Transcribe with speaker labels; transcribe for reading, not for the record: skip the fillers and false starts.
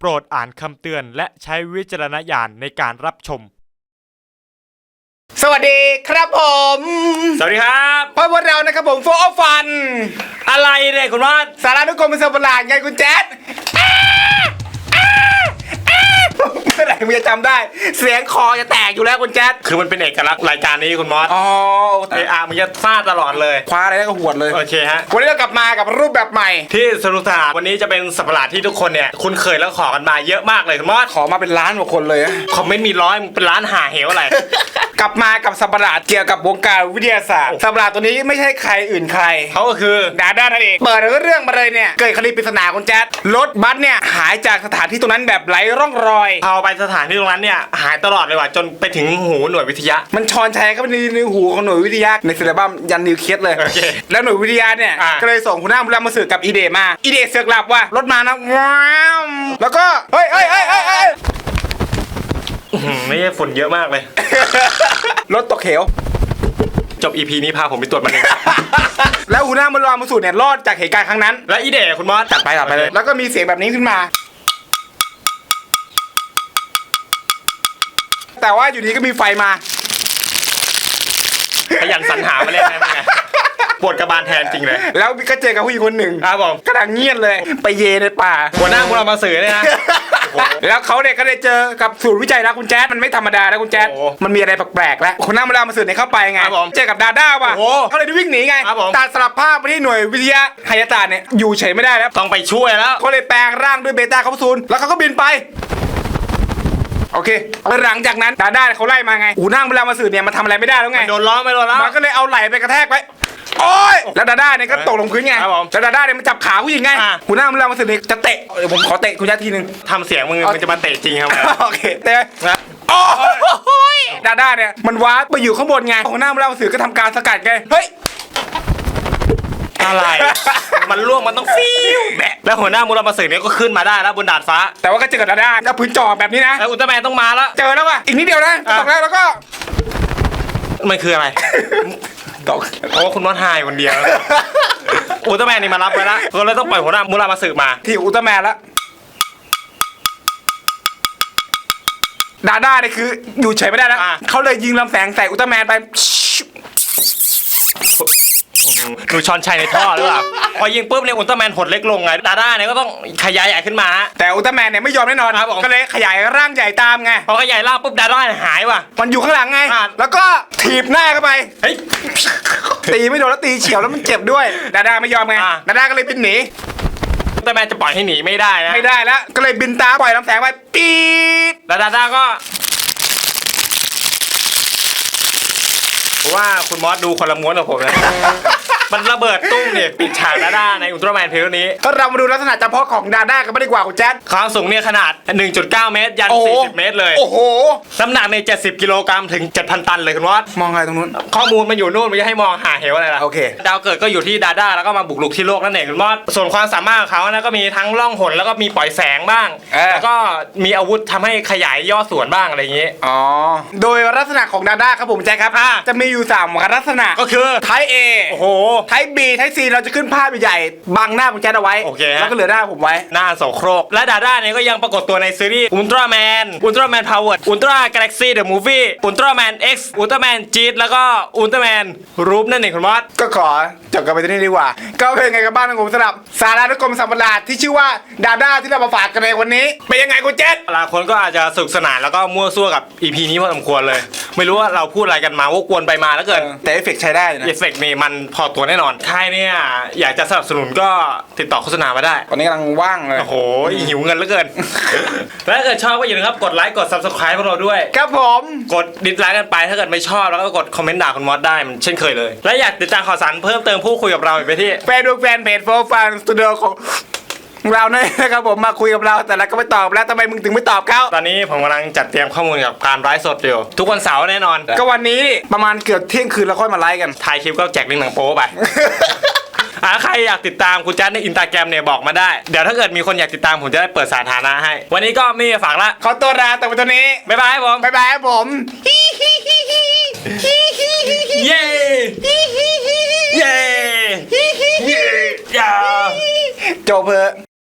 Speaker 1: โปรดอ่านคำเตือนและใช้วิจารณญาณในการรับชม
Speaker 2: สวัสดีครับผม
Speaker 1: สวัสดีครับ
Speaker 2: พวกเรานะครับผมโฟร์ฟัน
Speaker 1: อะไรเนี่ยคุณวัด
Speaker 2: สารานุกรมเป็นสัปหลาดไงคุณแจ๊ดเมื่อไหร่มึงจะจำได้เสียงคอจะแตกอยู่แล้วคุณแจ๊ด
Speaker 1: คือมันเป็นเอกลักษณ์รายการนี้คุณมอส
Speaker 2: อ๋อ
Speaker 1: มึงจะฟาดตลอดเลย
Speaker 2: คว้าอะไรก็หวดเลย
Speaker 1: โอเคฮะ
Speaker 2: วันนี้เรากลับมากับรูปแบบใหม่
Speaker 1: ที่สนุกสนานวันนี้จะเป็นสัปหลาดที่ทุกคนเนี่ยคุ้นเคยแล้วขอกันมาเยอะมากเลยคุณมอส
Speaker 2: ขอมาเป็นล้านกว่าคนเลย
Speaker 1: คอมเมนต์มีร้อยเป็นล้านหาเหวอะไร
Speaker 2: กลับมากับสัปหลาดเกี่ยวกับวงการวิทยาศาสตร์สัปหลาดตัวนี้ไม่ใช่ใครอื่นใคร
Speaker 1: เขาก็คือ
Speaker 2: ดาด้านั่นเองเปิดเรื่องมาเลยเนี่ยเกิดคดีปริศนาคุณแจ๊ดรถบัสเนี่ยหายจากสถานที่ตรงนั้นแบบไร้ร่องรอย
Speaker 1: เอาไปสถานที่ตรงนั้นเนี่ยหายตลอดเลยว่ะจนไปถึงหูหน่วยวิทยา
Speaker 2: มันชอนชัยเข้าไปในหูของหน่วยวิทยาในศิลปะยันนิวเคลียสเลยแล้วหน่วยวิทยาเนี่ยก็เลยส่งหัวหน้ามาสื่อกับอีเดมาอีเดเสือกหลับว่ารถมานะว้าวแล้วก็เฮ้ย
Speaker 1: ไม่ใช่ฝุ่นเยอะมากเลย
Speaker 2: รถตกเขว
Speaker 1: จบ EP นี้พาผมไปตรวจมันเอง
Speaker 2: แล้วหัวหน้ามาสูตรเนี่ยรอดจากเหตุการณ์ครั้งนั้น
Speaker 1: และอีเดคุณมอส
Speaker 2: จัดไปเลยแล้วก็มีเสียงแบบนี้ขึ้นมาแต่ว่าอยู่ดีก็มีไฟมา
Speaker 1: ขยันสรรหามาเล่นนะไงปวดกระบาลแทนจริงเลย
Speaker 2: แล้วก็เจอกับผู้หญิงคนหนึ่ง
Speaker 1: ครับผม
Speaker 2: กำลังเงียบเลยไปเยในป่า
Speaker 1: หัวหน้าเรามาสื่อเลยนะ
Speaker 2: แล้วเขาเนี่ยก็ได้เจอกับศูนย์วิจัยนะคุณแจ๊ดมันไม่ธรรมดานะคุณแจ๊ดมันมีอะไรแปลกๆแล้วคนหน้ามาสื่อเนี่ยเข้าไปไงเจอกับดาด้าว่ะเขาเลยวิ่งหนีไงตัดสลับภาพไปที่หน่วยวิทยาไฮยาตาเนี่ยอยู่เฉยไม่ได้แล้ว
Speaker 1: ต้องไปช่วยแล้ว
Speaker 2: เขาเลยแปลงร่างด้วยเบต้าคาปซูลแล้วเขาก็บินไปโอเคหลังจากนั้นดาด้าเขาไล่มาไงหูนั่งเวลามาสื่อเนี่ยมันทำอะไรไม่ได้แล้วไง
Speaker 1: โดนล้อไม่โดนล้อ
Speaker 2: มันก็เลยเอาไหล่ไปกระแทกไว้โอ้ยแล้วดาด้าเนี่ยก็ตกลงพื้นไงแล้วดาด้าเนี่ยมันจับขาผู้หญิงไงหูนั่งเวลามาสื่อเนี่ยจะเตะเดี๋ยวผมขอเตะคุณยัดทีนึง
Speaker 1: ทำเสียงมึงจะมาเตะจริงครับ
Speaker 2: โอเคเตะนะโอ้ยดาด้าเนี่ยมันว้าไปอยู่ข้างบนไงหูนั่งเวลามาสื่อก็ทำการสกัดไงเฮ้ย
Speaker 1: อะไรมันล่วงมันต้องฟิวแบะแล้วหัวหน้ามูรามาสื่อเนี่ยก็ขึ้นมาได้แล้วบนดาดฟ้า
Speaker 2: แต่ว่าก็เจอกับดาด้าแล้วพื้นจอแบบนี้นะ
Speaker 1: แล้วอุลตร้าแมนต้องมาแล้ว
Speaker 2: เจอแล้วว่ะอีกนิดเดียวนะตกแล้วก็
Speaker 1: มันคืออะไรตกโอ้คุณมอสหายคนเดียวอุลตร้าแมนนี่มารับไว้แล้วก็เลยต้องปล่อยหัวหน้ามูรามาสื่อมา
Speaker 2: ที่อุลตร้าแมนแล้วดาด้าเนี่ยคืออยู่เฉยไม่ได้แล้วเขาเลยยิงลำแสงใส่อุลตร้าแมนไป
Speaker 1: ดูช้อนชัยในท่อหรือเปล่าพอยิงปุ๊บเนี่ยอุลตร้าแมนหดเล็กลงไงดาด้าเนี่ยก็ต้องขยายใหญ่ขึ้นมา
Speaker 2: แต่อุลตร้าแมนเนี่ยไม่ยอมแน่นอนก็เลยขยายร่างใหญ่ตามไง
Speaker 1: พอขยายร่างปุ๊บดาด้าหายว่ะ
Speaker 2: มันอยู่ข้างหลังไงแล้วก็ถีบหน้าเข้าไป
Speaker 1: เฮ้ย
Speaker 2: ตีไม่โดนแล้วตีเฉียวแล้วมันเจ็บด้วยดาด้าไม่ยอมไงดาด้าก็เลยบินหนี
Speaker 1: อุลตร้าแมนจะปล่อยให้หนีไม่ได้นะ
Speaker 2: ไม่ได้แล้วก็เลยบินตามปล่อยลำแสงไปปี๊ด
Speaker 1: แล้วดาด้าก็ว่าคุณมอสดูคนละม้วนกับผมนะมันระเบิดตุ้มเนี่ยปิดฉากดาด้าในอุลตร้าแมนเพลย์นี้
Speaker 2: ก็เรามาดูลักษณะเฉพาะของดาด้ากันไม่ดีกว่าคุณแจ๊ด
Speaker 1: ความสูงเนี่ยขนาด 1.9 เมตรยัน40 เมตรเลย
Speaker 2: โอ้โห
Speaker 1: น้ำหนักใน70 กิโลกรัมถึง 7,000 ตันเลยคุณมอส
Speaker 2: มองอะไรตรงนู้น
Speaker 1: ข้อมูลมันอยู่นู่นไม่ให้มองหาเหวอะไรล่ะ
Speaker 2: โอเค
Speaker 1: ดาวเกิดก็อยู่ที่ดาด้าแล้วก็มาบุกรุกที่โลกนั่นเองคุณมอสส่วนความสามารถของเขานะก็มีทั้งล่องหนแล้วก็มีปล่อยแสงบ้างแล้วก็มีอาวุธทำให้ขยายย่อส่วนบ้างอะไรอย่างนี้
Speaker 2: อ๋อโดยลักษณะของดาด้าครับผมแจ๊คครับจะมีอยู่3ลักษณะ
Speaker 1: ก็คือ
Speaker 2: ไทป์ A
Speaker 1: โอ้โห
Speaker 2: ไทป์ B ไทป์ C เราจะขึ้นภาพใหญ่บังหน้าผมแจ๊ดเอาไว้แล้วก็เหลือหน้าผมไว้
Speaker 1: หน้าโสโครกและดาด้าเนี่ยก็ยังปรากฏตัวในซีรีส์อุลตร้าแมนพาวเวอร์อุลตร้ากาแล็กซี่เดอะมูฟวี่อุลตร้าแมน X อุลตร้าแมนจีดแล้วก็อุลตร้าแมนรูปนั่นเองคุณมอส
Speaker 2: ก็ขอจบกันไปที่นี่ดีกว่าก็เป็นไงกับบ้านของผมสำหรับสารานุกรมสัปหลาดที่ชื่อว่าดาด้าที่เรามาฝากกันในวันนี้เป็นยังไงคุณเจษ
Speaker 1: หลายคนก็อาจจะสนุกสนานแล้วก็มั่วซั่วกับ EP นี้พอสมควรเลยไม่รู้ว่าเราพูดอะไรกันมาวกวนไปมาแล้วเกิน
Speaker 2: แต่เอฟเฟกต์ใช้ได้นะ
Speaker 1: เอฟเฟกต์นี่มันพอตัวแน่นอนใครเนี่ยอยากจะสนับสนุนก็ติดต่อโฆษณามาได้
Speaker 2: ตอนนี้กำลังว่างเลย
Speaker 1: โอ้โหหิวเงินเหลือเกินและถ้าเกิดชอบก็อย่าลืมครับกดไลค์กด Subscribe พวกเราด้วย
Speaker 2: ครับผม
Speaker 1: กดดิสไลค์กันไปถ้าเกิดไม่ชอบแล้วก็กดคอมเมนต์ด่าคุณมอสได้มันเช่นเคยเลยและอยากติดตามข่าวสารเพิ่มเติมพูดคุยกับเราไปที่
Speaker 2: แฟนเพจโฟร์ฟันสตูดิโอของเราเนี่ยนะครับผมมาคุยกับเราแต่ละก็ไม่ตอบแล้วทำไมมึงถึงไม่ตอบเขา
Speaker 1: ตอนนี้ผมกำลังจัดเตรียมข้อมูลกับการไลฟ์สดอยู่ทุกวันเสาร์แน่นอน
Speaker 2: ก็วันนี้ประมาณเกือบเที่ยงคืนแล้วค่อยมาไลฟ์กัน
Speaker 1: ถ่ายคลิปก็แจกลิงก์หนังโป๊ไปใครอยากติดตามคุณแจ๊ดใน Instagram เนี่ยบอกมาได้เดี๋ยวถ้าเกิดมีคนอยากติดตามผมจะได้เปิดสาธารณะให้วันนี้ก็มีฝากละ
Speaker 2: ขอตัวลาแต่วันนี้
Speaker 1: บ๊ายบายผม
Speaker 2: บ๊ายบายผม
Speaker 1: เย้เย้เย้
Speaker 2: จบเพอ